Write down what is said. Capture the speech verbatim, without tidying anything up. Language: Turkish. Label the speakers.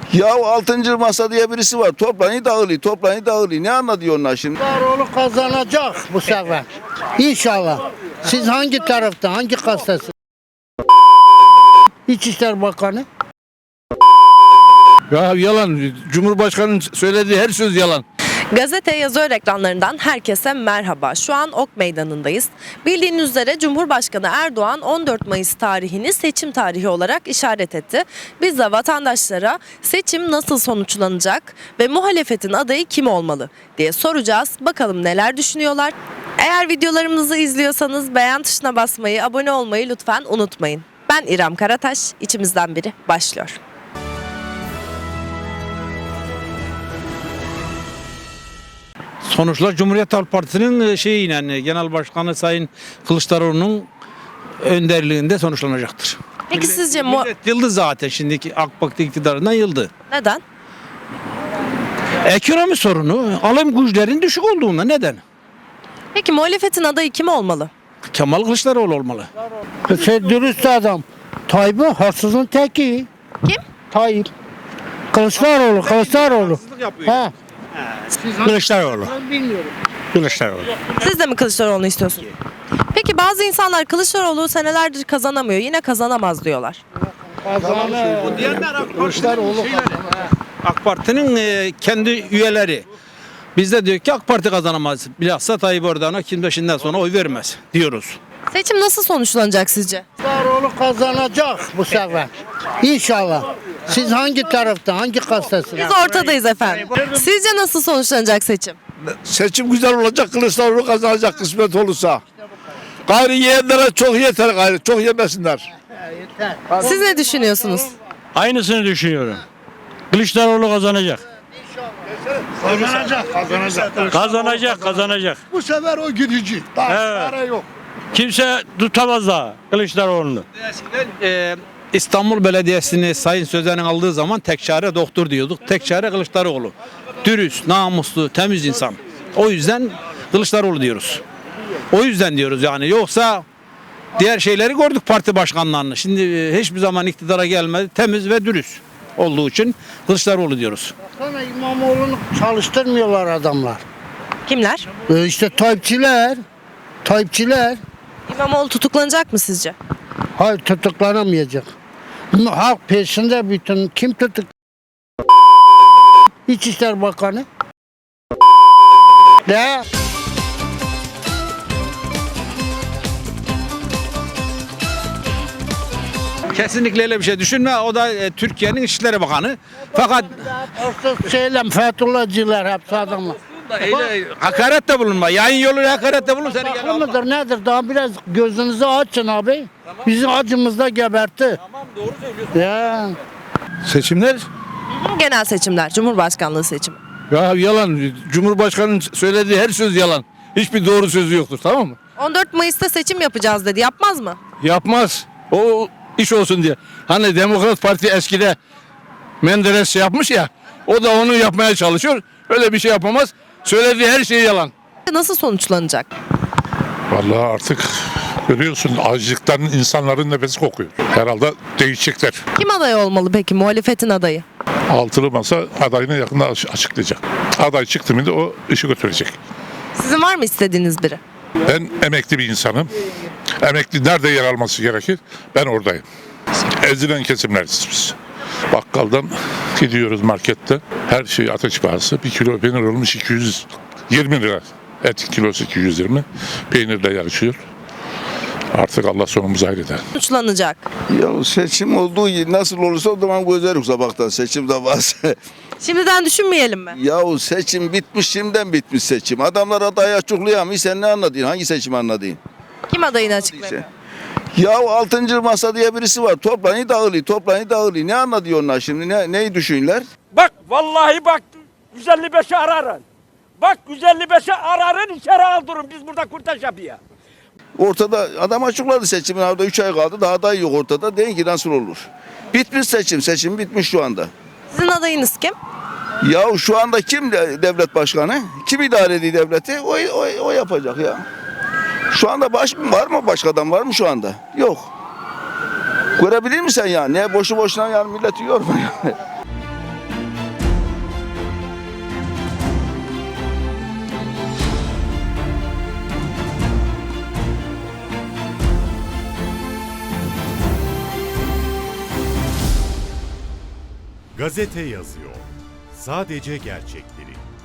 Speaker 1: Ya altıncı masa diye birisi var. Toplanı dağılıyor, toplanı dağılıyor. Ne anlatıyor onlar şimdi?
Speaker 2: Kılıçdaroğlu kazanacak bu sefer. İnşallah. Siz hangi tarafta, hangi kastası? İçişler Bakanı.
Speaker 3: Ya yalan. Cumhurbaşkanının söylediği her söz yalan.
Speaker 4: Gazete yazı ekranlarından herkese merhaba. Şu an Ok Meydanı'ndayız. Bildiğiniz üzere Cumhurbaşkanı Erdoğan on dört Mayıs tarihini seçim tarihi olarak işaret etti. Biz de vatandaşlara seçim nasıl sonuçlanacak ve muhalefetin adayı kim olmalı diye soracağız. Bakalım neler düşünüyorlar. Eğer videolarımızı izliyorsanız beğen tuşuna basmayı, abone olmayı lütfen unutmayın. Ben İrem Karataş, içimizden biri başlıyor.
Speaker 3: Sonuçlar Cumhuriyet Halk Partisi'nin şeyi yani Genel Başkanı Sayın Kılıçdaroğlu'nun önderliğinde sonuçlanacaktır.
Speaker 4: Peki sizce mu-
Speaker 3: Millet yıldı zaten şimdiki AK Parti iktidarından yıldı.
Speaker 4: neden?
Speaker 3: Ekonomi sorunu, alım güçlerin düşük olduğunda neden?
Speaker 4: Peki muhalefetin adayı kim olmalı?
Speaker 3: Kemal Kılıçdaroğlu olmalı.
Speaker 2: Şey, dürüst adam. Tayyip'i hırsızın teki.
Speaker 4: Kim?
Speaker 2: Tayyip. Kılıçdaroğlu, Kılıçdaroğlu. Ha.
Speaker 3: Kılıçdaroğlu.
Speaker 2: Ben bilmiyorum.
Speaker 3: Kılıçdaroğlu.
Speaker 4: Siz de mi Kılıçdaroğlu'nu istiyorsunuz? Peki bazı insanlar Kılıçdaroğlu senelerdir kazanamıyor, yine kazanamaz diyorlar.
Speaker 2: Kılıçdaroğlu.
Speaker 3: AK Parti'nin e, kendi üyeleri. Biz de diyor ki AK Parti kazanamaz. Bilhassa Tayyip Erdoğan'a kim şimdiden sonra oy vermez diyoruz.
Speaker 4: Seçim nasıl sonuçlanacak sizce?
Speaker 2: Kılıçdaroğlu kazanacak bu sefer. İnşallah. Siz hangi tarafta, hangi kastası?
Speaker 4: Biz ortadayız efendim. Sizce nasıl sonuçlanacak seçim?
Speaker 1: Seçim güzel olacak, Kılıçdaroğlu kazanacak kısmet olursa. Gayrı yiyenlere çok yeter gayrı, çok yemesinler.
Speaker 4: Siz ne düşünüyorsunuz?
Speaker 5: Aynısını düşünüyorum. Kılıçdaroğlu kazanacak.
Speaker 1: Kazanacak, kazanacak.
Speaker 5: Kazanacak, kazanacak.
Speaker 1: Bu sefer o gidici. Daha
Speaker 5: Evet.
Speaker 1: çare yok.
Speaker 5: Kimse tutamaz daha Kılıçdaroğlu'nu.
Speaker 3: Ee, İstanbul Belediyesi'ni Sayın Sözen'in aldığı zaman tek çare doktor diyorduk. Tek çare Kılıçdaroğlu. Dürüst, namuslu, temiz insan. O yüzden Kılıçdaroğlu diyoruz. O yüzden diyoruz yani. Yoksa diğer şeyleri gördük parti başkanlarını. Şimdi e, hiçbir zaman iktidara gelmedi. Temiz ve dürüst olduğu için Kılıçdaroğlu diyoruz.
Speaker 2: Sana İmamoğlu'nu çalıştırmıyorlar adamlar.
Speaker 4: Kimler?
Speaker 2: E işte Tayyipçiler. Tayyipçiler.
Speaker 4: İmamoğlu tutuklanacak mı sizce?
Speaker 2: Hayır, tutuklanamayacak. Halk peşinde bütün. Kim tutuk? İçişler Bakanı. Ne?
Speaker 3: Kesinlikle öyle bir şey düşünme. O da e, Türkiye'nin İçişleri Bakanı. Fakat
Speaker 2: Hırsız şeyle Fethullahçılar hepsi adamlar.
Speaker 3: öyle hakaret bulunma. Yayın yoluyla hakaret bulun. Seni gel
Speaker 2: Haklı
Speaker 3: alma.
Speaker 2: mıdır nedir? Daha biraz gözünüzü açın abi. Bizim acımızda gebertti.
Speaker 3: Tamam doğru söylüyorsun.
Speaker 2: Ya.
Speaker 3: Seçimler
Speaker 4: Genel seçimler, Cumhurbaşkanlığı seçimi.
Speaker 3: ya yalan. Cumhurbaşkanının söylediği her söz yalan. Hiçbir doğru sözü yoktur, tamam mı?
Speaker 4: on dört Mayıs'ta seçim yapacağız dedi. Yapmaz mı?
Speaker 3: Yapmaz. O iş olsun diye. Hani Demokrat Parti eskide Menderes şey yapmış ya. O da onu yapmaya çalışıyor. Öyle bir şey yapamaz. Söylediği her şey yalan.
Speaker 4: Nasıl sonuçlanacak?
Speaker 6: Vallahi artık görüyorsun açlıktan insanların nefesi kokuyor. Herhalde değişecekler.
Speaker 4: Kim aday olmalı peki, muhalefetin adayı?
Speaker 6: Altılı masa adayını yakında aç- açıklayacak. Aday çıktı mı da o işi götürecek.
Speaker 4: Sizin var mı istediğiniz biri?
Speaker 6: Ben emekli bir insanım. Emekli nerede yer alması gerekir? Ben oradayım. Ezilen kesimleriz biz. Bakkaldan gidiyoruz markette. Her şey ateş pahası. Bir kilo peynir olmuş iki yüz yirmi lira. Et kilosu iki yüz yirmi. Peynirle yarışıyor. Artık Allah sonumuzu hayırlıdır.
Speaker 4: Sonuçlanacak.
Speaker 1: Ya seçim olduğu gibi nasıl olursa o zaman gözlerim sabahtan seçim de varsa.
Speaker 4: Şimdiden düşünmeyelim mi?
Speaker 1: Yahu seçim bitmiş, şimdiden bitmiş seçim. Adamlar adayı açıklayamıyor. Sen ne anladın? Hangi seçimi anladın?
Speaker 4: Kim adayını açıklayacak?
Speaker 1: Ya altıncı masa diye birisi var. Toplanı dağılıyor, toplanı dağılıyor. Ne anlatıyor onlar şimdi? Ne, neyi düşünürler?
Speaker 7: Bak vallahi bak yüz elli beşi ararın. Bak yüz elli beşi ararın içeri aldırın biz burada kurtaş yapıyor.
Speaker 1: Ortada adam açıkladı seçimin orada üç ay kaldı. Daha aday yok ortada. Deyin ki nasıl olur? Bitmiş seçim. Seçim bitmiş şu anda.
Speaker 4: Sizin adayınız kim?
Speaker 1: Ya şu anda kim de- devlet başkanı? Kim idare ediyor devleti? O, o, o yapacak ya. Şu anda baş var mı? Başka adam var mı şu anda? Yok. Görebilir misin ya? Ne boşu boşuna yani milleti yorma yani.
Speaker 8: Gazete yazıyor. Sadece gerçekleri.